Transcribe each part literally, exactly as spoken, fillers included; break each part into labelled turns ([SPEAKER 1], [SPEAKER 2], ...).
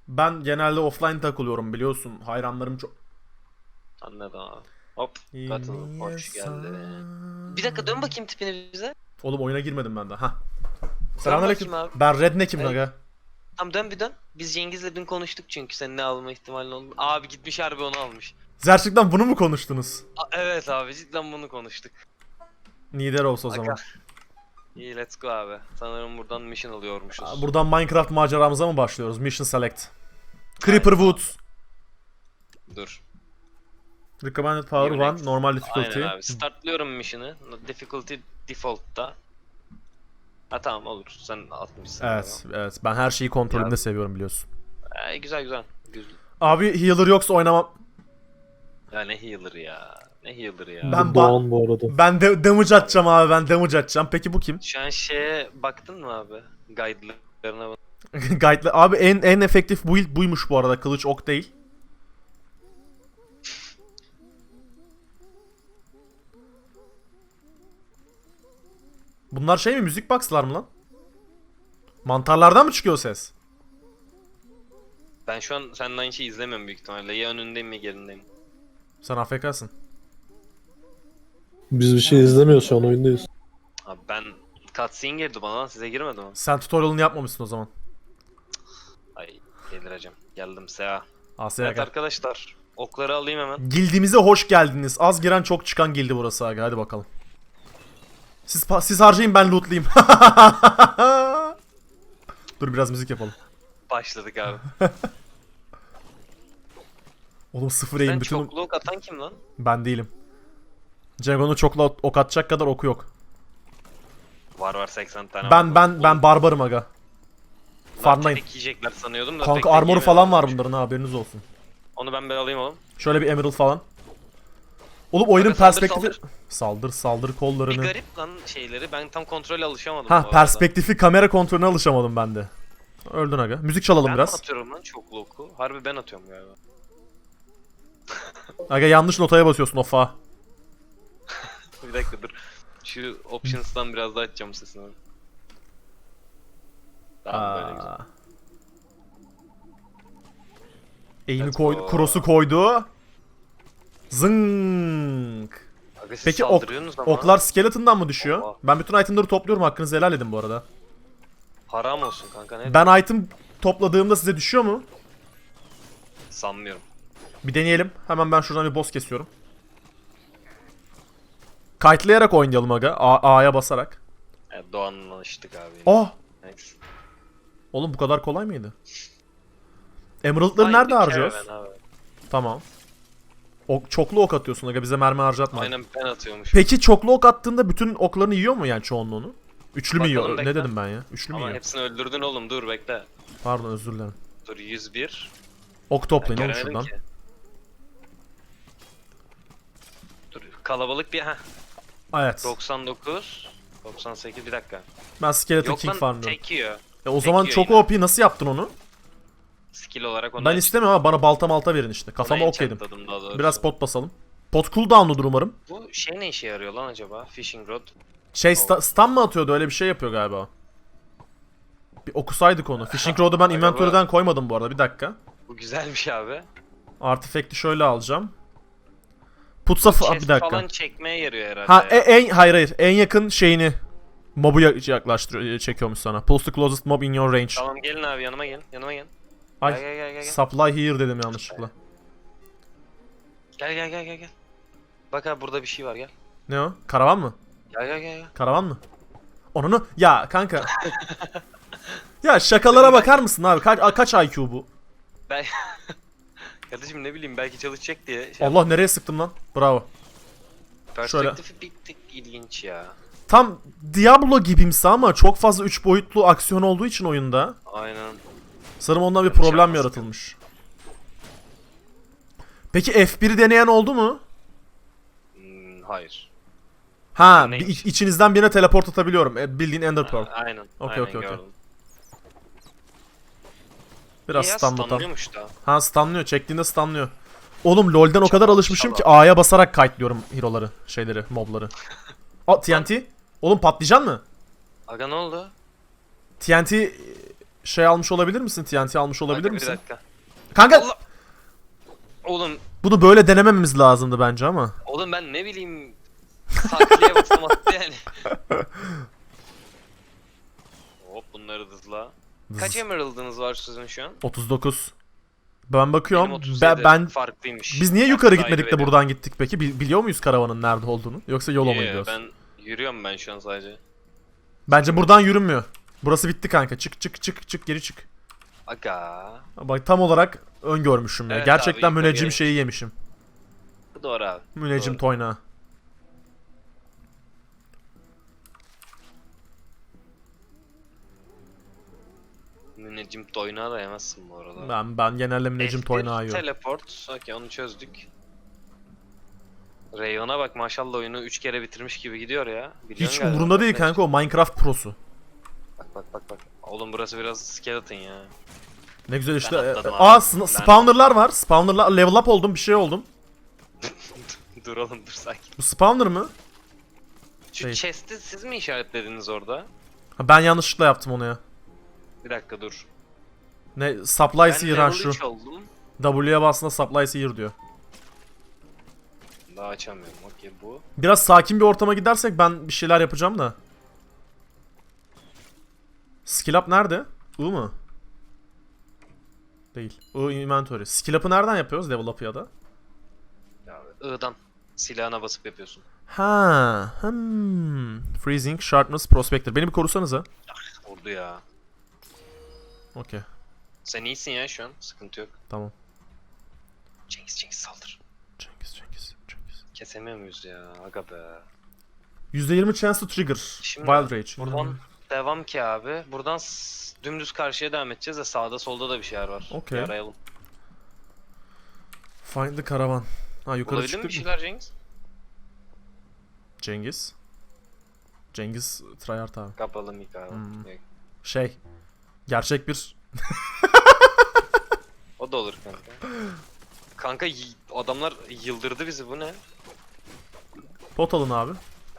[SPEAKER 1] Ben genelde offline takılıyorum biliyorsun. Hayranlarım çok...
[SPEAKER 2] Anladım abi. Hop. Katıl. Hoş geldin.
[SPEAKER 1] İnsan.
[SPEAKER 2] Bir dakika dön bakayım tipini bize.
[SPEAKER 1] Oğlum oyuna girmedim ben de. Hah.
[SPEAKER 2] Dön
[SPEAKER 1] Selamünaleyküm.
[SPEAKER 2] bakayım abi.
[SPEAKER 1] Ben Redneck'im
[SPEAKER 2] Evet.
[SPEAKER 1] aga.
[SPEAKER 2] Tamam dön bir dön. Biz Cengiz'le dün konuştuk çünkü senin ne alma ihtimalin oldu. Abi gitmiş harbi onu almış.
[SPEAKER 1] Gerçekten bunu mu konuştunuz?
[SPEAKER 2] A- evet abi cidden bunu konuştuk.
[SPEAKER 1] Nider olsun o
[SPEAKER 2] Aga.
[SPEAKER 1] zaman.
[SPEAKER 2] İyi let's go abi. Sanırım buradan mission alıyormuşuz.
[SPEAKER 1] Buradan Minecraft maceramıza mı başlıyoruz? Mission select. Creeper
[SPEAKER 2] Aynen.
[SPEAKER 1] Woods.
[SPEAKER 2] Dur.
[SPEAKER 1] Recommended power
[SPEAKER 2] Unix.
[SPEAKER 1] one. Normal difficulty.
[SPEAKER 2] Aynen abi. Startlıyorum mission'ı. Difficulty default'ta. Ha tamam olur. Sen atmışsın.
[SPEAKER 1] Evet, evet. Ben her şeyi kontrolünde
[SPEAKER 2] Ya.
[SPEAKER 1] seviyorum biliyorsun.
[SPEAKER 2] Ee, güzel güzel. Güzel.
[SPEAKER 1] Abi healer yoksa oynamam.
[SPEAKER 2] Ya ne healer ya. Ne healer ya.
[SPEAKER 1] Ben
[SPEAKER 3] Bu Doğan bu arada.
[SPEAKER 1] Ben de damage atacağım abi. Ben damage atacağım. Peki bu kim?
[SPEAKER 2] Şu an şeye baktın mı abi? Guide'larına bak.
[SPEAKER 1] Guide'le. Abi en en efektif build buymuş bu arada. Kılıç ok değil. Bunlar şey mi? Müzik box'lar mı lan? Mantarlardan mı çıkıyor ses?
[SPEAKER 2] Ben şu an seninle aynı şeyi izlemiyorum büyük ihtimalle. Ya önündeyim ya gerindeyim.
[SPEAKER 1] Sen A F K'sın.
[SPEAKER 3] Biz bir şey izlemiyoruz şu an oyundayız.
[SPEAKER 2] Abi ben cutscene girdi bana lan size girmedi mi?
[SPEAKER 1] Sen tutorial'ını yapmamışsın o zaman.
[SPEAKER 2] Ay delireceğim. Geldim Seha.
[SPEAKER 1] Asya
[SPEAKER 2] Evet
[SPEAKER 1] gel.
[SPEAKER 2] arkadaşlar. Okları alayım hemen.
[SPEAKER 1] Gildimize hoş geldiniz. Az giren çok çıkan gildi burası aga. Hadi bakalım. Siz pa- siz harcayın ben lootlayayım. Dur biraz müzik yapalım.
[SPEAKER 2] Başladık abi.
[SPEAKER 1] Oğlum sıfır
[SPEAKER 2] Sen
[SPEAKER 1] aim bütün...
[SPEAKER 2] çoklu ok atan kim lan?
[SPEAKER 1] Ben değilim. Jagon'un çokla ok atacak kadar oku yok.
[SPEAKER 2] Var var seksen tane
[SPEAKER 1] Ben
[SPEAKER 2] var.
[SPEAKER 1] ben ben barbarım aga.
[SPEAKER 2] Ben
[SPEAKER 1] Farmlayın.
[SPEAKER 2] tek yiyecekler sanıyordum da. tek
[SPEAKER 1] Kanka
[SPEAKER 2] tek
[SPEAKER 1] armoru
[SPEAKER 2] yemiyorum.
[SPEAKER 1] falan var bunların ha, haberiniz olsun.
[SPEAKER 2] Onu ben bir alayım oğlum.
[SPEAKER 1] Şöyle bir emerald falan. Oğlum oyunun
[SPEAKER 2] Aga saldır,
[SPEAKER 1] perspektifi... Saldır saldır
[SPEAKER 2] Bir
[SPEAKER 1] kollarını.
[SPEAKER 2] garip lan şeyleri. Ben tam kontrole alışamadım. bu
[SPEAKER 1] Ha
[SPEAKER 2] arada.
[SPEAKER 1] perspektifi kamera kontrolüne alışamadım ben de. Öldün aga. Müzik çalalım
[SPEAKER 2] Ben mi
[SPEAKER 1] biraz.
[SPEAKER 2] atıyorum lan çoklu oku? Harbi ben atıyorum galiba.
[SPEAKER 1] Aga yanlış notaya basıyorsun ofa.
[SPEAKER 2] Bir dakika dur. Şu options'tan biraz daha açacağım sesini. Tamam böyle güzel.
[SPEAKER 1] Aa. Eğimi
[SPEAKER 2] Let's
[SPEAKER 1] koydu,
[SPEAKER 2] go.
[SPEAKER 1] cross'u koydu. Zınk.
[SPEAKER 2] Aga siz
[SPEAKER 1] Peki ok,
[SPEAKER 2] saldırıyorsunuz ama.
[SPEAKER 1] oklar skeleton'dan mı düşüyor?
[SPEAKER 2] Oha.
[SPEAKER 1] Ben bütün itemleri topluyorum, hakkınızı helal edin bu arada.
[SPEAKER 2] Haram olsun kanka ne?
[SPEAKER 1] Ben item topladığımda size düşüyor mu?
[SPEAKER 2] Sanmıyorum.
[SPEAKER 1] Bir deneyelim. Hemen ben şuradan bir boss kesiyorum. Kite'layarak oynayalım aga. A- A'ya basarak.
[SPEAKER 2] Evet, Doğanlaştık abi.
[SPEAKER 1] Oh!
[SPEAKER 2] Neyse.
[SPEAKER 1] Oğlum bu kadar kolay mıydı? Emerald'ları
[SPEAKER 2] Aynı
[SPEAKER 1] nerede
[SPEAKER 2] bir
[SPEAKER 1] harcıyoruz?
[SPEAKER 2] caravan abi.
[SPEAKER 1] Tamam. Ok, çoklu ok atıyorsun aga, bize mermi harcatma.
[SPEAKER 2] Aynen ben atıyormuş.
[SPEAKER 1] Peki çoklu ok attığında bütün oklarını yiyor mu yani çoğunluğunu? Üçlü mü
[SPEAKER 2] Bakalım,
[SPEAKER 1] yiyor?
[SPEAKER 2] bekle.
[SPEAKER 1] Ne dedim ben ya? Üçlü mü
[SPEAKER 2] Ama
[SPEAKER 1] yiyor?
[SPEAKER 2] hepsini öldürdün oğlum dur bekle.
[SPEAKER 1] Pardon özür dilerim.
[SPEAKER 2] Dur yüz bir.
[SPEAKER 1] Ok toplayın
[SPEAKER 2] Ben
[SPEAKER 1] oğlum
[SPEAKER 2] göremedim
[SPEAKER 1] şuradan.
[SPEAKER 2] ki. Dur kalabalık bir ha
[SPEAKER 1] Evet.
[SPEAKER 2] doksan dokuz doksan sekiz bir dakika.
[SPEAKER 1] Ben Skeleton
[SPEAKER 2] Yok
[SPEAKER 1] King
[SPEAKER 2] lan
[SPEAKER 1] farmlıyorum.
[SPEAKER 2] tek yiyor.
[SPEAKER 1] E o zaman
[SPEAKER 2] yiyor
[SPEAKER 1] çok
[SPEAKER 2] yine.
[SPEAKER 1] O P nasıl yaptın onu?
[SPEAKER 2] Skill olarak onu
[SPEAKER 1] Ben istemiyorum ama bana balta malta verin işte. Kafama ok yedim.
[SPEAKER 2] enchantladım daha doğrusu.
[SPEAKER 1] Biraz pot basalım. Pot cooldown'ludur umarım.
[SPEAKER 2] Bu şey ne işe yarıyor lan acaba? Fishing rod.
[SPEAKER 1] Şey sta- stun mı atıyordu, öyle bir şey yapıyor galiba. Bir okusaydık onu. Fishing Rod'u ben
[SPEAKER 2] Aga
[SPEAKER 1] inventory'den koymadım bu arada, bir dakika.
[SPEAKER 2] Bu güzelmiş abi.
[SPEAKER 1] Artifact'i şöyle alacağım. Putsa f-
[SPEAKER 2] Chest
[SPEAKER 1] bir dakika.
[SPEAKER 2] falan çekmeye yarıyor herhalde.
[SPEAKER 1] Ha
[SPEAKER 2] ya.
[SPEAKER 1] e- en hayır hayır en yakın şeyini mobu ya- yaklaştırıyor, çekiyormuş sana. Pulse the closest mob in your range.
[SPEAKER 2] Tamam gelin abi yanıma gelin. Yanıma gelin.
[SPEAKER 1] Ay
[SPEAKER 2] Gel gel gel gel.
[SPEAKER 1] supply here dedim yanlışlıkla.
[SPEAKER 2] Gel gel gel gel gel. Bak abi burada bir şey var gel.
[SPEAKER 1] Ne o? Karavan mı?
[SPEAKER 2] Gel gel gel gel.
[SPEAKER 1] Karavan mı? Onunu ya kanka. Ya şakalara bakar mısın abi? Kaç, kaç I Q bu?
[SPEAKER 2] Ben kardeşim ne bileyim belki çalışacak diye. Şey
[SPEAKER 1] Allah nereye sıktım lan? Bravo.
[SPEAKER 2] Perspektifi bir tık ilginç ya.
[SPEAKER 1] Tam Diablo gibimsi ama çok fazla üç boyutlu aksiyon olduğu için oyunda.
[SPEAKER 2] Aynen.
[SPEAKER 1] Sanırım ondan bir
[SPEAKER 2] Yanlış
[SPEAKER 1] problem
[SPEAKER 2] yapmasın.
[SPEAKER 1] yaratılmış. Peki F bir'i deneyen oldu mu?
[SPEAKER 2] Hmm, hayır.
[SPEAKER 1] Ha, bir,
[SPEAKER 2] Neymiş?
[SPEAKER 1] iç- içinizden birine teleport atabiliyorum. E, bildiğin Ender Pearl.
[SPEAKER 2] Aynen.
[SPEAKER 1] Okey,
[SPEAKER 2] aynen
[SPEAKER 1] okey, okey.
[SPEAKER 2] gördüm.
[SPEAKER 1] Biraz
[SPEAKER 2] İyi ya,
[SPEAKER 1] stunlatam.
[SPEAKER 2] stunlıyormuş da.
[SPEAKER 1] Ha stunlıyor. Çektiğinde stunlıyor. Oğlum LoL'den o kadar
[SPEAKER 2] Çalar,
[SPEAKER 1] alışmışım ki
[SPEAKER 2] çalar.
[SPEAKER 1] A'ya basarak kite'lıyorum hero'ları, şeyleri, mobları. Aa T N T. Oğlum patlayacaksın mı?
[SPEAKER 2] Aga ne oldu?
[SPEAKER 1] T N T şey almış olabilir misin? T N T almış olabilir
[SPEAKER 2] Kanka,
[SPEAKER 1] misin?
[SPEAKER 2] Bir dakika.
[SPEAKER 1] Kanka
[SPEAKER 2] Allah! Oğlum,
[SPEAKER 1] bunu böyle denemememiz lazımdı bence ama.
[SPEAKER 2] oğlum ben ne bileyim sakliye baksam attı yani. Hop bunları hızla. Kaç emerald'ınız var sizin şu an?
[SPEAKER 1] otuz dokuz. Ben bakıyorum.
[SPEAKER 2] Benim otuz
[SPEAKER 1] Ben,
[SPEAKER 2] yedi.
[SPEAKER 1] ben
[SPEAKER 2] Farklıymış.
[SPEAKER 1] biz niye
[SPEAKER 2] Ben
[SPEAKER 1] yukarı
[SPEAKER 2] takip
[SPEAKER 1] gitmedik de
[SPEAKER 2] ediyorum.
[SPEAKER 1] buradan gittik peki? Bi- biliyor muyuz karavanın nerede olduğunu? Yoksa yola mı
[SPEAKER 2] Yeah,
[SPEAKER 1] gidiyoruz?
[SPEAKER 2] Ben yürüyorum ben şu an sadece.
[SPEAKER 1] Bence buradan yürünmüyor. Burası bitti kanka. Çık çık çık çık geri çık.
[SPEAKER 2] Aga.
[SPEAKER 1] Bak tam olarak öngörmüşüm ya.
[SPEAKER 2] Evet
[SPEAKER 1] Gerçekten
[SPEAKER 2] abi, yukarı
[SPEAKER 1] müneccim
[SPEAKER 2] gelin.
[SPEAKER 1] şeyi yemişim.
[SPEAKER 2] Bu doğru abi.
[SPEAKER 1] Müneccim
[SPEAKER 2] Doğru.
[SPEAKER 1] toynağı.
[SPEAKER 2] Müneccim toynağı da yemezsin bu arada.
[SPEAKER 1] Ben ben genelde müneccim
[SPEAKER 2] F bir
[SPEAKER 1] toynağı yiyorum.
[SPEAKER 2] Teleport. Okey onu çözdük. Rayon'a bak maşallah oyunu üç kere bitirmiş gibi gidiyor ya. Biliyorsun
[SPEAKER 1] Hiç
[SPEAKER 2] galiba.
[SPEAKER 1] umurunda değil
[SPEAKER 2] Ne-
[SPEAKER 1] kanka o Minecraft prosu.
[SPEAKER 2] Bak bak bak bak. Oğlum burası biraz skeleton ya.
[SPEAKER 1] Ne güzel işte.
[SPEAKER 2] Ben
[SPEAKER 1] e,
[SPEAKER 2] atladım
[SPEAKER 1] Aa
[SPEAKER 2] abi.
[SPEAKER 1] sn-
[SPEAKER 2] Ben-
[SPEAKER 1] spawnerlar var. Spawnerlar level up oldum bir şey oldum.
[SPEAKER 2] Dur oğlum dur sakin.
[SPEAKER 1] Bu spawner mı?
[SPEAKER 2] Şu
[SPEAKER 1] Şey.
[SPEAKER 2] chest'i siz mi işaretlediniz orada?
[SPEAKER 1] Ha, ben yanlışlıkla yaptım onu ya.
[SPEAKER 2] Bir dakika dur.
[SPEAKER 1] Ne supply
[SPEAKER 2] Ben
[SPEAKER 1] seer ha
[SPEAKER 2] level
[SPEAKER 1] şu.
[SPEAKER 2] üç oldum.
[SPEAKER 1] W'ye bastığında supply seer diyor.
[SPEAKER 2] Daha açamıyorum. Okey bu.
[SPEAKER 1] Biraz sakin bir ortama gidersek ben bir şeyler yapacağım da. Skill up nerede? I mı? Değil. I inventory. Skill up'ı nereden yapıyoruz level up'ı ya da?
[SPEAKER 2] Ya, I'dan silahına basıp yapıyorsun.
[SPEAKER 1] Ha, hmm. Freezing, sharpness, prospector. Beni bir korusanıza.
[SPEAKER 2] Vurdu ya.
[SPEAKER 1] Okey,
[SPEAKER 2] Sen iyisin ya şu an. Sıkıntı yok.
[SPEAKER 1] tamam.
[SPEAKER 2] Cengiz Cengiz saldır.
[SPEAKER 1] Cengiz, Cengiz, Cengiz.
[SPEAKER 2] Kesemiyor muyuz ya? Aga be.
[SPEAKER 1] yüzde yirmi chance to trigger.
[SPEAKER 2] Şimdi
[SPEAKER 1] Wild Rage.
[SPEAKER 2] Buradan
[SPEAKER 1] Hmm.
[SPEAKER 2] devam ki abi. Buradan s- dümdüz karşıya devam edeceğiz de sağda solda da bir şeyler var.
[SPEAKER 1] Okey.
[SPEAKER 2] Bir arayalım.
[SPEAKER 1] Find the caravan. Ha yukarı
[SPEAKER 2] Bulabildin mi bir
[SPEAKER 1] çıktık mı?
[SPEAKER 2] şeyler Cengiz?
[SPEAKER 1] Cengiz. Cengiz tryhard abi.
[SPEAKER 2] Kapalı mı abi?
[SPEAKER 1] Hmm.
[SPEAKER 2] Yok.
[SPEAKER 1] Şey. Gerçek bir...
[SPEAKER 2] O da olur kanka. Kanka y- adamlar yıldırdı bizi bu ne?
[SPEAKER 1] Pot alın abi.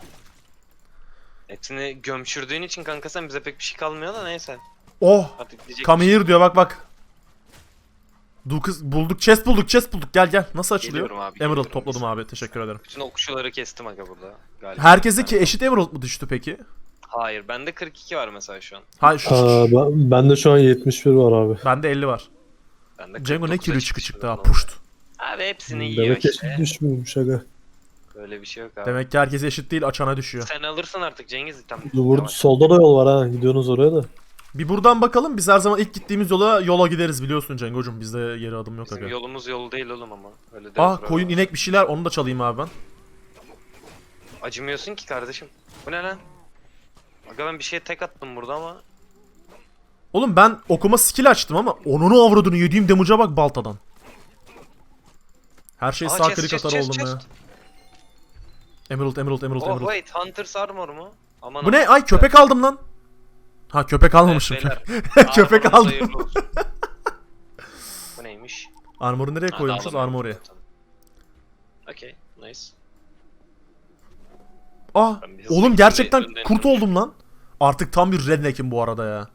[SPEAKER 2] Hepsini gömçürdüğün için kanka sen bize pek bir şey kalmıyor da neyse.
[SPEAKER 1] Oh!
[SPEAKER 2] Artık diyecek
[SPEAKER 1] Come
[SPEAKER 2] bir şey-
[SPEAKER 1] here diyor bak bak. Du kız bulduk, chest bulduk, chest bulduk. Gel gel. Nasıl açılıyor?
[SPEAKER 2] Geliyorum abi,
[SPEAKER 1] Emerald
[SPEAKER 2] geliyorum.
[SPEAKER 1] topladım abi. Teşekkür ederim.
[SPEAKER 2] Bütün okçuları kestim aga burada. Galiba.
[SPEAKER 1] Herkese ki
[SPEAKER 2] Ben-
[SPEAKER 1] eşit emerald mı düştü peki?
[SPEAKER 2] Hayır bende kırk iki var mesela şu an.
[SPEAKER 1] Hayır şu,
[SPEAKER 3] Aa, ben, bende şu an yetmiş bir var abi.
[SPEAKER 1] bende elli var.
[SPEAKER 2] Bende
[SPEAKER 1] Cengo ne
[SPEAKER 2] kırk dokuza
[SPEAKER 1] kilo çıkı
[SPEAKER 2] çıkmış
[SPEAKER 1] çıktı ha.
[SPEAKER 2] bundan.
[SPEAKER 1] Puşt.
[SPEAKER 2] Abi hepsini yiyor
[SPEAKER 3] Demek
[SPEAKER 2] işte.
[SPEAKER 3] eşit düşmüyormuş aga.
[SPEAKER 2] Böyle bir şey yok abi.
[SPEAKER 1] Demek ki herkese eşit değil, açana düşüyor.
[SPEAKER 2] Sen alırsın artık Cengiz tam.
[SPEAKER 3] Dur, burada
[SPEAKER 2] Yavaş.
[SPEAKER 3] solda da yol var ha. Gidiyorsunuz oraya da.
[SPEAKER 1] Bir buradan bakalım. Biz her zaman ilk gittiğimiz yola yola gideriz biliyorsun Cengo'cum. Bizde geri adım yok
[SPEAKER 2] Bizim
[SPEAKER 1] aga.
[SPEAKER 2] yolumuz yol değil oğlum ama. Öyle de
[SPEAKER 1] Ah koyun, inek bir şeyler. Onu da çalayım abi ben.
[SPEAKER 2] Acımıyorsun ki kardeşim. Bu ne lan? Aga ben bir şeye tek attım burada ama.
[SPEAKER 1] Oğlum ben okuma skill açtım ama onunu avradını yediğim damage'a bak baltadan. Her şey
[SPEAKER 2] Aa,
[SPEAKER 1] sağ
[SPEAKER 2] chest,
[SPEAKER 1] klik
[SPEAKER 2] chest,
[SPEAKER 1] atar
[SPEAKER 2] chest,
[SPEAKER 1] oldum ya.
[SPEAKER 2] chest.
[SPEAKER 1] Emerald, emerald, emerald,
[SPEAKER 2] Oh
[SPEAKER 1] emerald.
[SPEAKER 2] wait, Hunter's Armor mu? Aman
[SPEAKER 1] Bu ne?
[SPEAKER 2] aman.
[SPEAKER 1] Ay köpek aldım lan. Ha köpek almamışım.
[SPEAKER 2] Evet, beyler.
[SPEAKER 1] Köpek
[SPEAKER 2] Armor'unuz
[SPEAKER 1] aldım.
[SPEAKER 2] hayırlı olsun. Bu neymiş?
[SPEAKER 1] Armor'u nereye
[SPEAKER 2] Ha,
[SPEAKER 1] koymuşuz?
[SPEAKER 2] dağılım
[SPEAKER 1] Armor'ya.
[SPEAKER 2] yaptım zaten. Okey, nice.
[SPEAKER 1] Ah
[SPEAKER 2] Ben bir hızlı
[SPEAKER 1] oğlum
[SPEAKER 2] gittim,
[SPEAKER 1] gerçekten
[SPEAKER 2] bir önden
[SPEAKER 1] kurt
[SPEAKER 2] dönüş.
[SPEAKER 1] oldum lan. Artık tam bir redneck'im bu arada ya.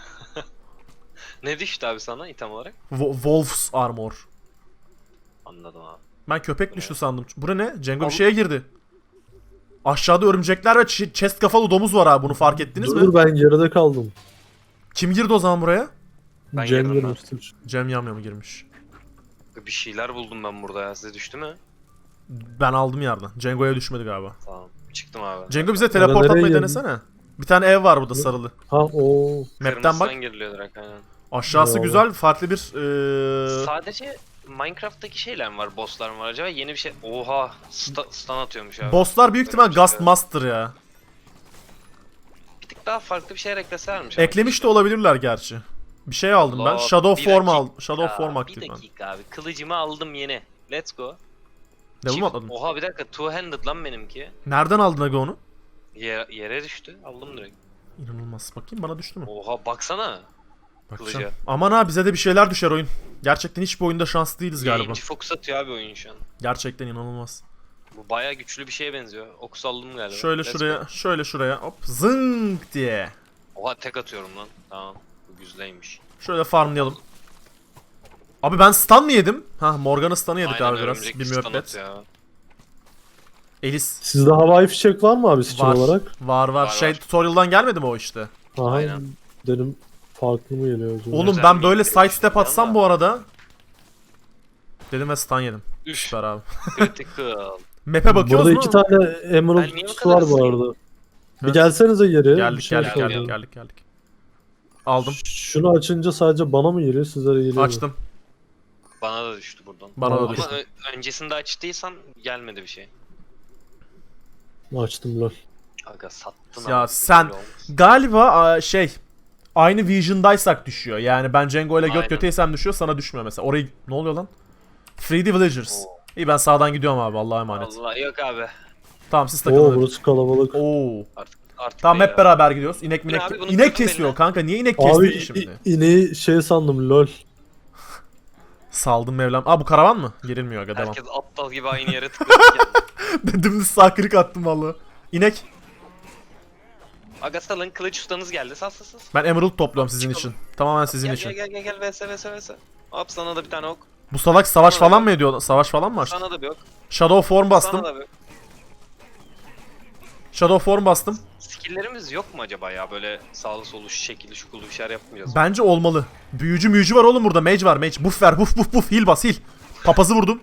[SPEAKER 2] Ne düştü abi sana item olarak?
[SPEAKER 1] Wo- Wolf's Armor.
[SPEAKER 2] Anladım abi.
[SPEAKER 1] Ben köpek düştü sandım. Bu ne? Cengo bir
[SPEAKER 2] Oğlum-
[SPEAKER 1] şeye girdi. Aşağıda örümcekler ve ç- chest kafalı domuz var abi. Bunu fark ettiniz
[SPEAKER 3] Dur
[SPEAKER 1] mi?
[SPEAKER 3] dur ben geride kaldım.
[SPEAKER 1] Kim girdi o zaman buraya?
[SPEAKER 2] Ben
[SPEAKER 3] Cem
[SPEAKER 2] girdim ben.
[SPEAKER 3] girmiştir.
[SPEAKER 1] Cem Yamyam girmiş.
[SPEAKER 2] Bir şeyler buldum ben burada ya. Size düştü mü?
[SPEAKER 1] Ben aldım yerden. Cengo'ya düşmedi galiba.
[SPEAKER 2] Tamam. Çıktım abi.
[SPEAKER 1] Cengo bize teleport
[SPEAKER 3] nereye
[SPEAKER 1] atmayı
[SPEAKER 3] geldin?
[SPEAKER 1] denesene. Bir tane ev var burada sarılı.
[SPEAKER 3] Ha o.
[SPEAKER 1] Map'ten
[SPEAKER 2] Kırmızıdan
[SPEAKER 1] bak.
[SPEAKER 2] giriliyor direkt aynen.
[SPEAKER 1] Aşağısı
[SPEAKER 3] Yo.
[SPEAKER 1] güzel. Farklı bir... eee,
[SPEAKER 2] Sadece Minecraft'taki şeyler mi var? Bosslar mı var acaba? Yeni bir şey... Oha! Sta stun atıyormuş abi.
[SPEAKER 1] Bosslar büyük ihtimal
[SPEAKER 2] Öyle bir şey
[SPEAKER 1] Gust
[SPEAKER 2] var.
[SPEAKER 1] Master ya.
[SPEAKER 2] Bir tık daha farklı bir şeyler ekleselermiş.
[SPEAKER 1] Eklemiş de olabilirler gerçi. Bir şey aldım ben.
[SPEAKER 2] Allah,
[SPEAKER 1] Shadow
[SPEAKER 2] bir
[SPEAKER 1] Form
[SPEAKER 2] dakika.
[SPEAKER 1] aldım. Shadow Form
[SPEAKER 2] Bir
[SPEAKER 1] aktif ben.
[SPEAKER 2] dakika abi. Kılıcımı aldım yeni. Let's go.
[SPEAKER 1] Level mi
[SPEAKER 2] Çift-
[SPEAKER 1] atladın?
[SPEAKER 2] Oha bir dakika. Two handed lan benimki.
[SPEAKER 1] Nereden aldın aga onu?
[SPEAKER 2] Yere, yere düştü. Aldım direkt.
[SPEAKER 1] İnanılmaz. Bakayım bana düştü mü?
[SPEAKER 2] Oha baksana.
[SPEAKER 1] Bakacağım.
[SPEAKER 2] kılıca.
[SPEAKER 1] Aman ha bize de bir şeyler düşer oyun. Gerçekten hiçbir oyunda şanslı değiliz galiba.
[SPEAKER 2] Yayıncı fokus atıyor abi oyun şu an.
[SPEAKER 1] Gerçekten inanılmaz.
[SPEAKER 2] Bu bayağı güçlü bir şeye benziyor. Okus aldım galiba.
[SPEAKER 1] Şöyle
[SPEAKER 2] Let's
[SPEAKER 1] şuraya,
[SPEAKER 2] go.
[SPEAKER 1] şöyle şuraya hop zınk diye.
[SPEAKER 2] Oha tek atıyorum lan. Tamam. güzleymiş.
[SPEAKER 1] Şöyle farmlayalım. Abi ben stun mı yedim? Ha Morgan'ı stun'ı yedik
[SPEAKER 2] Aynen,
[SPEAKER 1] abi biraz.
[SPEAKER 2] örümcek
[SPEAKER 1] Bir
[SPEAKER 2] stun
[SPEAKER 1] müebbet.
[SPEAKER 2] atıyor.
[SPEAKER 1] Elis.
[SPEAKER 3] Sizde havai fişek var mı abi skill
[SPEAKER 1] Var.
[SPEAKER 3] olarak?
[SPEAKER 1] Var var.
[SPEAKER 2] Var,
[SPEAKER 1] Şey
[SPEAKER 2] var.
[SPEAKER 1] tutorial'dan gelmedi mi o işte?
[SPEAKER 3] Aha,
[SPEAKER 2] Aynen.
[SPEAKER 3] dedim farklı mı geliyor acaba?
[SPEAKER 1] Oğlum
[SPEAKER 2] Özel
[SPEAKER 1] ben
[SPEAKER 2] mi
[SPEAKER 1] böyle
[SPEAKER 2] geliyor
[SPEAKER 1] side step
[SPEAKER 2] işte
[SPEAKER 1] atsam
[SPEAKER 2] ama?
[SPEAKER 1] bu arada. Dedim ve stun yedim.
[SPEAKER 2] Üf.
[SPEAKER 1] Süper abi.
[SPEAKER 2] Critical.
[SPEAKER 1] Map'e bakıyoruz
[SPEAKER 3] Burada
[SPEAKER 1] mu?
[SPEAKER 3] iki tane emerald
[SPEAKER 2] Ben niye bu
[SPEAKER 3] kutusu
[SPEAKER 2] kadar
[SPEAKER 3] var bu
[SPEAKER 2] hızlıyım?
[SPEAKER 3] arada. Bir
[SPEAKER 1] Evet.
[SPEAKER 3] gelsenize geri. bir
[SPEAKER 1] Geldik
[SPEAKER 3] şey
[SPEAKER 1] geldik
[SPEAKER 3] soracağım.
[SPEAKER 1] geldik geldik geldik. Aldım.
[SPEAKER 3] Şunu açınca sadece bana mı geliyor, sizlere geliyor mu?
[SPEAKER 1] Açtım.
[SPEAKER 2] Bana da düştü buradan.
[SPEAKER 1] Bana da
[SPEAKER 3] Ama
[SPEAKER 1] düştü.
[SPEAKER 2] Ama ö- öncesinde açtıysan gelmedi bir şey.
[SPEAKER 3] Açtım lol.
[SPEAKER 2] Aga sattın
[SPEAKER 1] Ya
[SPEAKER 2] ama
[SPEAKER 1] sen-
[SPEAKER 2] böyle olmuş.
[SPEAKER 1] Galiba aa, şey aynı vision'daysak düşüyor. Yani ben Cengo ile göt
[SPEAKER 2] Aynen.
[SPEAKER 1] göteysem düşüyor, sana düşmüyor mesela. Orayı ne oluyor lan? Three D Villagers.
[SPEAKER 2] Oo.
[SPEAKER 1] İyi ben sağdan gidiyorum abi, Allah'a emanet.
[SPEAKER 2] Allah yok abi.
[SPEAKER 1] Tamam siz
[SPEAKER 3] Oo
[SPEAKER 1] takılın.
[SPEAKER 3] burası kalabalık.
[SPEAKER 1] Oo.
[SPEAKER 2] Artık artık
[SPEAKER 1] Tamam
[SPEAKER 2] değil
[SPEAKER 1] hep
[SPEAKER 2] ya.
[SPEAKER 1] beraber gidiyoruz. İnek minek.
[SPEAKER 2] abi, bunu
[SPEAKER 1] İnek
[SPEAKER 2] kırdım
[SPEAKER 1] kesiyor
[SPEAKER 2] eline.
[SPEAKER 1] kanka. Niye inek kesti
[SPEAKER 3] Abi
[SPEAKER 1] ki
[SPEAKER 3] i-
[SPEAKER 1] şimdi?
[SPEAKER 3] ineği şey sandım lol.
[SPEAKER 1] Saldım Mevlam. Aa bu karavan mı? Girilmiyor aga, devam.
[SPEAKER 2] Herkes aptal gibi aynı yere tıkladı geldi.
[SPEAKER 1] Dümdüz sağ kırık attım vallahi. İnek.
[SPEAKER 2] Aga salın, kılıç ustanız geldi. Sal sal sal.
[SPEAKER 1] Ben emerald topluyorum sizin
[SPEAKER 2] Çıkalım.
[SPEAKER 1] için. Tamamen sizin
[SPEAKER 2] Gel
[SPEAKER 1] için.
[SPEAKER 2] gel gel gel gel vs vs vs. Hop sana da bir tane ok.
[SPEAKER 1] Bu salak savaş
[SPEAKER 2] Sana da
[SPEAKER 1] falan
[SPEAKER 2] yok.
[SPEAKER 1] mı ediyor? Savaş falan mı açtı?
[SPEAKER 2] Sana da bir ok.
[SPEAKER 1] Shadow form bastım.
[SPEAKER 2] Sana da bir ok.
[SPEAKER 1] Shadow form bastım.
[SPEAKER 2] Skill'lerimiz yok mu acaba ya, böyle sağlı solu şu şekilli şukulu bir şeyler yapmayacağız.
[SPEAKER 1] Bence olmalı. Büyücü müyücü var oğlum burada. Mage var mage. Buff ver buff buff buff. Heal bas heal. Papazı vurdum.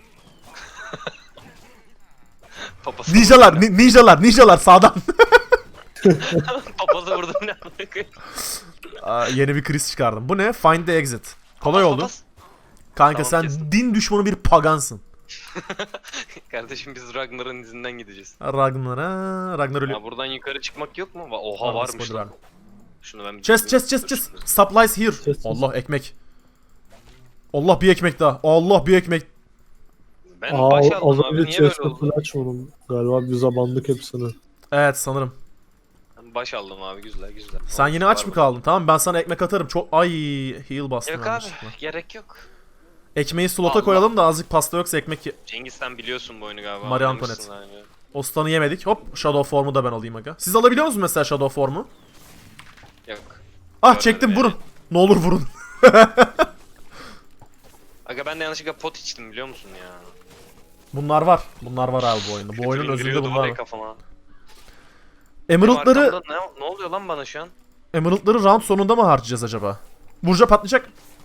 [SPEAKER 2] Papazı
[SPEAKER 1] Ninjalar
[SPEAKER 2] vurdum
[SPEAKER 1] ni- ninjalar ninjalar sağdan.
[SPEAKER 2] ya. Papazı vurdum ne anlayayım.
[SPEAKER 1] Aa, yeni bir kriz çıkardım. Bu ne? Find the exit. Kolay
[SPEAKER 2] Papaz,
[SPEAKER 1] oldu.
[SPEAKER 2] papaz.
[SPEAKER 1] Kanka
[SPEAKER 2] Tamam,
[SPEAKER 1] sen
[SPEAKER 2] kestim.
[SPEAKER 1] din düşmanı bir pagansın.
[SPEAKER 2] Kardeşim biz Ragnar'ın izinden gideceğiz.
[SPEAKER 1] Ragnar'a Ragnar ölü.
[SPEAKER 2] Ya buradan yukarı çıkmak yok mu? Va- Oha
[SPEAKER 1] Tamam,
[SPEAKER 2] varmış
[SPEAKER 1] spoiler
[SPEAKER 2] lan.
[SPEAKER 1] verdim.
[SPEAKER 2] Şunu ben bir
[SPEAKER 1] Chest chest chest
[SPEAKER 2] Dur,
[SPEAKER 1] chest.
[SPEAKER 2] şunu-
[SPEAKER 1] Supplies here.
[SPEAKER 3] Chest, chest.
[SPEAKER 1] Allah ekmek. Allah bir ekmek daha. Allah bir ekmek.
[SPEAKER 2] Ben
[SPEAKER 3] Aa
[SPEAKER 2] baş
[SPEAKER 3] az
[SPEAKER 2] aldım abi,
[SPEAKER 3] önce
[SPEAKER 2] niye böyle
[SPEAKER 3] chest'e
[SPEAKER 2] oldu?
[SPEAKER 3] flash vurdum. Galiba bize bandık hepsini.
[SPEAKER 1] Evet sanırım.
[SPEAKER 2] Ben baş aldım abi, güzel güzel.
[SPEAKER 1] Sen yine aç mı kaldın? Tamam ben sana ekmek atarım. Çok ay heal bastım
[SPEAKER 2] Yok abi,
[SPEAKER 1] yanlışlıkla.
[SPEAKER 2] gerek yok.
[SPEAKER 1] Ekmeği slota
[SPEAKER 2] Allah.
[SPEAKER 1] koyalım da azıcık pasta yoksa ekmek ye-
[SPEAKER 2] Cengiz sen biliyorsun bu oyunu galiba.
[SPEAKER 1] Marie
[SPEAKER 2] anlamışsın
[SPEAKER 1] Antoinette.
[SPEAKER 2] abi.
[SPEAKER 1] O stun'ı yemedik. Hop Shadow form'u da ben alayım aga. Siz alabiliyor musunuz mesela Shadow form'u?
[SPEAKER 2] Yok.
[SPEAKER 1] Ah
[SPEAKER 2] Görmedim
[SPEAKER 1] çektim
[SPEAKER 2] yani.
[SPEAKER 1] vurun. Ne olur vurun.
[SPEAKER 2] Aga ben de yanlışlıkla pot içtim biliyor musun ya?
[SPEAKER 1] Bunlar var. Bunlar var abi bu oyunda. Bu oyunun
[SPEAKER 2] Kötülüğün
[SPEAKER 1] özünde
[SPEAKER 2] gülüyordu
[SPEAKER 1] bunlar
[SPEAKER 2] var ya
[SPEAKER 1] var.
[SPEAKER 2] kafama.
[SPEAKER 1] Emerald'ları
[SPEAKER 2] Benim arkamda ne, ne oluyor lan bana şu an?
[SPEAKER 1] Emerald'ları round sonunda mı harcayacağız acaba? Burca patlayacak.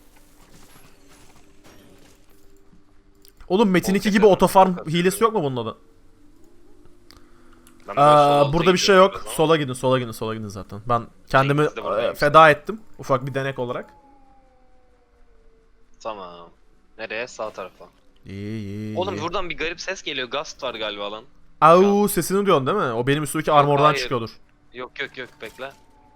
[SPEAKER 1] Oğlum Metin iki
[SPEAKER 2] Olacak
[SPEAKER 1] gibi
[SPEAKER 2] adam,
[SPEAKER 1] otofarm
[SPEAKER 2] çok
[SPEAKER 1] hilesi yok mu bunun adı?
[SPEAKER 2] Ben böyle sol
[SPEAKER 1] Aa,
[SPEAKER 2] alta
[SPEAKER 1] burada bir şey
[SPEAKER 2] gidiyorum
[SPEAKER 1] yok.
[SPEAKER 2] biraz ama.
[SPEAKER 1] Sola gidin, sola gidin, sola gidin zaten. Ben kendimi
[SPEAKER 2] Cengiz de buradayım.
[SPEAKER 1] e, feda ettim. Ufak bir denek olarak.
[SPEAKER 2] Tamam. Nereye? Sağ tarafa.
[SPEAKER 1] İyi iyi.
[SPEAKER 2] Oğlum
[SPEAKER 1] iyi.
[SPEAKER 2] buradan bir garip ses geliyor. Gast var galiba lan.
[SPEAKER 1] Au sesini diyorsun değil mi? O benim üstümdeki armordan
[SPEAKER 2] hayır.
[SPEAKER 1] çıkıyordur.
[SPEAKER 2] Yok yok yok bekle.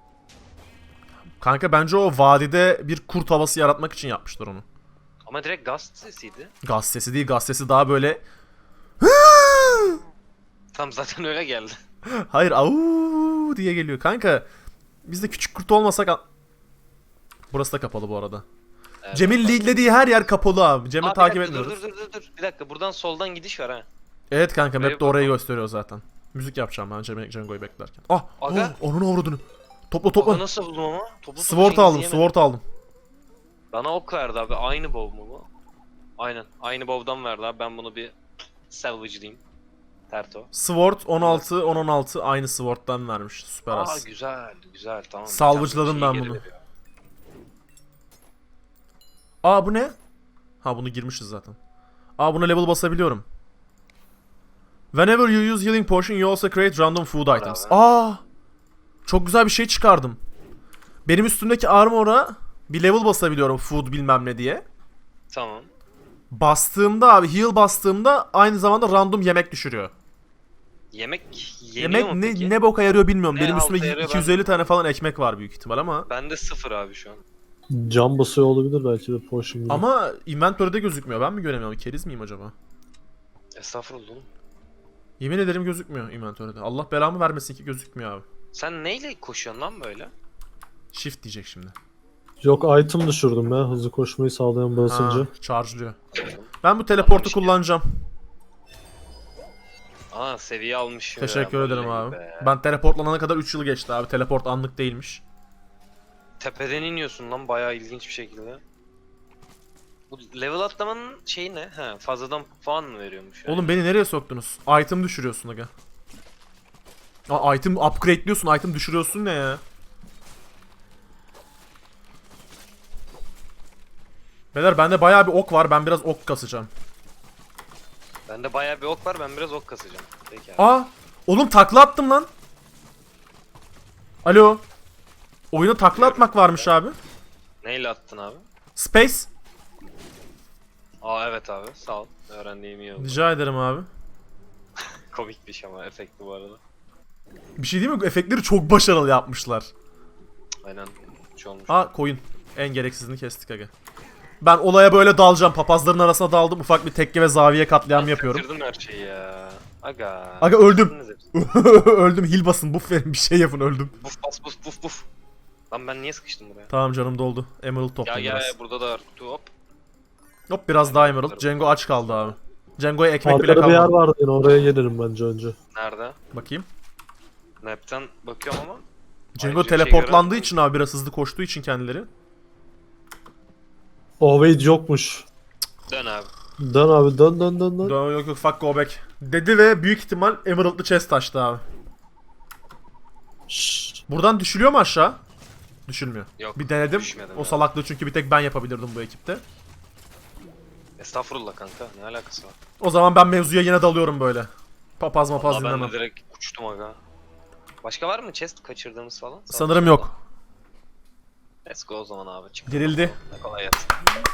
[SPEAKER 1] Kanka bence o vadide bir kurt havası yaratmak için yapmışlar onu.
[SPEAKER 2] Ama direkt Gast sesiydi.
[SPEAKER 1] Gaz sesi değil, gaz sesi daha böyle
[SPEAKER 2] Tam zaten öyle geldi.
[SPEAKER 1] hayır au diye geliyor. Kanka biz de küçük kurt olmasak a- burası da kapalı bu arada.
[SPEAKER 2] Evet,
[SPEAKER 1] Cem'in
[SPEAKER 2] bak.
[SPEAKER 1] leadlediği her yer kapalı abi. Cem'i
[SPEAKER 2] Aa, bir
[SPEAKER 1] takip
[SPEAKER 2] dakika,
[SPEAKER 1] etmiyoruz.
[SPEAKER 2] Dur dur dur dur. Bir dakika buradan soldan gidiş var ha.
[SPEAKER 1] Evet kanka
[SPEAKER 2] Buraya
[SPEAKER 1] map de orayı
[SPEAKER 2] bakalım.
[SPEAKER 1] gösteriyor zaten. Müzik yapacağım ben Cem Cengo'yu beklerken. Ah!
[SPEAKER 2] Aga.
[SPEAKER 1] Oh, onun avradını. Topla
[SPEAKER 2] Topu
[SPEAKER 1] topla.
[SPEAKER 2] nasıl buldum ama? Topu
[SPEAKER 1] Sword
[SPEAKER 2] Cengiz'i
[SPEAKER 1] aldım,
[SPEAKER 2] yemedim.
[SPEAKER 1] sword aldım.
[SPEAKER 2] Bana ok verdi abi. Aynı bow mu bu? Aynen. Aynı bow'dan verdi abi. Ben bunu bir salvage'layayım. Terto.
[SPEAKER 1] Sword on altı on on altı aynı sword'dan vermiş. Süper
[SPEAKER 2] Aa
[SPEAKER 1] as.
[SPEAKER 2] güzel güzel tamam.
[SPEAKER 1] Salvage'ladım
[SPEAKER 2] Bir
[SPEAKER 1] ben
[SPEAKER 2] tane şey
[SPEAKER 1] bunu.
[SPEAKER 2] geri veriyor.
[SPEAKER 1] Aa bu ne? Ha bunu girmişiz zaten. Aa buna level basabiliyorum. Whenever you use healing potion you also create random food
[SPEAKER 2] Var
[SPEAKER 1] items.
[SPEAKER 2] abi.
[SPEAKER 1] Aa! Çok güzel bir şey çıkardım. Benim üstümdeki armor'a bir level basabiliyorum food bilmem ne diye.
[SPEAKER 2] Tamam.
[SPEAKER 1] Bastığımda abi heal bastığımda aynı zamanda random yemek düşürüyor.
[SPEAKER 2] Yemek yeniyor
[SPEAKER 1] Yemek
[SPEAKER 2] mu
[SPEAKER 1] ne
[SPEAKER 2] peki?
[SPEAKER 1] ne boka yarıyor bilmiyorum.
[SPEAKER 2] Ne
[SPEAKER 1] Benim
[SPEAKER 2] halta
[SPEAKER 1] üstümde
[SPEAKER 2] yarıyor
[SPEAKER 1] iki yüz elli tane falan ekmek var büyük ihtimal ama
[SPEAKER 2] Bende sıfır abi şu an.
[SPEAKER 3] Cam basıyor olabilir belki de potion gibi.
[SPEAKER 1] ama inventory'de gözükmüyor. Ben mi göremiyorum? Keriz miyim acaba?
[SPEAKER 2] Estağfurullah oğlum.
[SPEAKER 1] Yemin ederim gözükmüyor inventory'de. Allah belamı vermesin ki gözükmüyor abi.
[SPEAKER 2] Sen neyle koşuyorsun lan böyle?
[SPEAKER 1] Shift diyecek şimdi.
[SPEAKER 3] Yok item düşürdüm ya hızlı koşmayı sağlayan basınca.
[SPEAKER 1] Ha, charge'lıyor. Ben bu teleportu
[SPEAKER 2] Tamam,
[SPEAKER 1] kullanacağım.
[SPEAKER 2] Aa seviye almış. ya,
[SPEAKER 1] Teşekkür
[SPEAKER 2] vallahi
[SPEAKER 1] ederim abi.
[SPEAKER 2] be.
[SPEAKER 1] Ben teleportlanana kadar üç yıl geçti abi. Teleport anlık değilmiş.
[SPEAKER 2] tepeden iniyorsun lan bayağı ilginç bir şekilde. Bu level atlamanın şeyi ne? He, fazladan puan mı veriyormuş? Yani?
[SPEAKER 1] Oğlum beni nereye soktunuz? Item düşürüyorsun aga. Aa, item upgrade'liyorsun, item düşürüyorsun ne ya? Beyler bende bayağı bir ok var. Ben biraz ok kasacağım.
[SPEAKER 2] Bende bayağı bir ok var, ben biraz ok kasacağım. Peki abi.
[SPEAKER 1] Aa! Oğlum takla attım lan. Alo. Oyuna takla atmak varmış abi.
[SPEAKER 2] Neyle attın abi?
[SPEAKER 1] Space.
[SPEAKER 2] Aa evet abi, sağ ol. Öğrendiğim iyi oldu.
[SPEAKER 1] Rica ederim abi.
[SPEAKER 2] Komik bir şey ama efekti bu arada.
[SPEAKER 1] Bir şey değil mi? Efektleri çok başarılı yapmışlar.
[SPEAKER 2] Aynen. Hiç olmuş.
[SPEAKER 1] Aa koyun. En gereksizini kestik aga. Ben olaya böyle dalacağım. Papazların arasına daldım. Ufak bir tekke ve zaviye katliam yapıyorum.
[SPEAKER 2] Kaçırdın her şeyi ya. Aga.
[SPEAKER 1] Aga öldüm.
[SPEAKER 2] Kaçırdınız hepsini.
[SPEAKER 1] Öldüm. Heal basın. Buff verin. Bir şey yapın. Öldüm.
[SPEAKER 2] Buf bas buf buf buf. Lan ben niye sıkıştım buraya?
[SPEAKER 1] Tamam canım doldu. Emerald
[SPEAKER 2] Ya
[SPEAKER 1] toplayın
[SPEAKER 2] ya
[SPEAKER 1] biraz.
[SPEAKER 2] ya, burada da var kutu, hop.
[SPEAKER 1] Hop biraz daha Emerald. Cengo aç kaldı abi. Cengo'ya ekmek bile
[SPEAKER 3] Arkada bir yer
[SPEAKER 1] kalmadı.
[SPEAKER 3] vardı yine, oraya gelirim bence önce.
[SPEAKER 2] Nerede?
[SPEAKER 1] Bakayım.
[SPEAKER 2] Map'ten bakıyorum ama.
[SPEAKER 1] Cengo
[SPEAKER 2] Ayrıca bir şey
[SPEAKER 1] teleportlandığı
[SPEAKER 2] göremedim.
[SPEAKER 1] için abi biraz hızlı koştuğu için kendileri.
[SPEAKER 3] Ovade yokmuş.
[SPEAKER 2] Dön abi.
[SPEAKER 3] Dön abi, dön dön dön dön.
[SPEAKER 1] Yo, yok yok fuck go back. Dedi ve büyük ihtimal Emerald'lı chest açtı abi.
[SPEAKER 3] Şşş.
[SPEAKER 1] Buradan düşülüyor mu aşağı? Düşülmüyor.
[SPEAKER 2] Yok,
[SPEAKER 1] Bir denedim.
[SPEAKER 2] düşmedim
[SPEAKER 1] O
[SPEAKER 2] ya.
[SPEAKER 1] salaklığı çünkü bir tek ben yapabilirdim bu ekipte.
[SPEAKER 2] Estağfurullah kanka, ne alakası var?
[SPEAKER 1] O zaman ben mevzuya yine dalıyorum böyle. Papaz mapaz
[SPEAKER 2] Vallahi ben
[SPEAKER 1] dinlemem.
[SPEAKER 2] de direkt uçtum aga. Başka var mı chest kaçırdığımız falan? Sağ
[SPEAKER 1] Sanırım
[SPEAKER 2] ol.
[SPEAKER 1] yok.
[SPEAKER 2] Let's go o zaman abi. Çık.
[SPEAKER 1] Dirildi.
[SPEAKER 2] Ne kolay gelsin.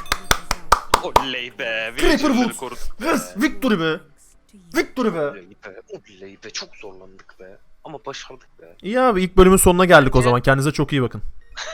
[SPEAKER 2] Oley be.
[SPEAKER 1] Creeper
[SPEAKER 2] villager'ları
[SPEAKER 1] Wolf.
[SPEAKER 2] koruduk be.
[SPEAKER 1] Yes, victory be. Victory be.
[SPEAKER 2] Oley be. Oley be. Çok zorlandık be. Ama başardık be.
[SPEAKER 1] İyi abi ilk bölümün sonuna geldik o zaman. Kendinize çok iyi bakın.